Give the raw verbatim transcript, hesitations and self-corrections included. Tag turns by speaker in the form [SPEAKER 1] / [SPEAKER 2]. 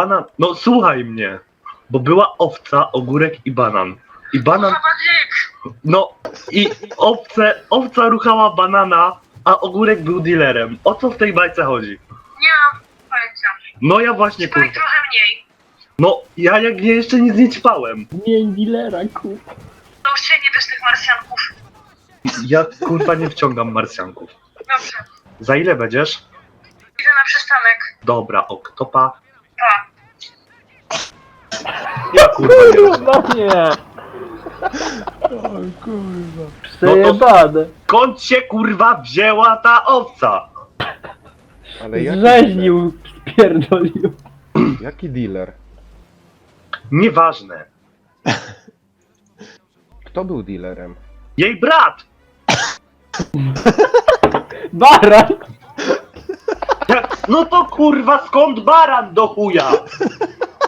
[SPEAKER 1] banan, no słuchaj mnie, bo była owca, ogórek i banan. I banan, no i owce, owca ruchała banana, a ogórek był dealerem. O co w tej bajce chodzi?
[SPEAKER 2] Nie mam pojęcia.
[SPEAKER 1] No ja właśnie
[SPEAKER 2] Powiem
[SPEAKER 1] kurwa.
[SPEAKER 2] trochę mniej.
[SPEAKER 1] No ja jak nie jeszcze nic nie ćpałem.
[SPEAKER 3] Miej dealera, kup.
[SPEAKER 2] To już się nie bierz tych marsjanków.
[SPEAKER 1] Ja kurwa nie wciągam marsjanków.
[SPEAKER 2] Dobrze.
[SPEAKER 1] Za ile będziesz?
[SPEAKER 2] Idę na przystanek.
[SPEAKER 1] Dobra, oktopa.
[SPEAKER 2] Pa.
[SPEAKER 1] Ja kurwa nie wiem.
[SPEAKER 3] Kurwa nie!
[SPEAKER 4] O kurwa.
[SPEAKER 3] Przejebane.
[SPEAKER 1] Skąd się kurwa wzięła ta owca?
[SPEAKER 4] Ale jaki
[SPEAKER 3] Rzeźnił, spierdolił.
[SPEAKER 4] dealer? Jaki dealer?
[SPEAKER 1] Nieważne.
[SPEAKER 4] Kto był dealerem?
[SPEAKER 1] Jej brat!
[SPEAKER 3] Baran!
[SPEAKER 1] Jak, no to kurwa skąd baran do chuja?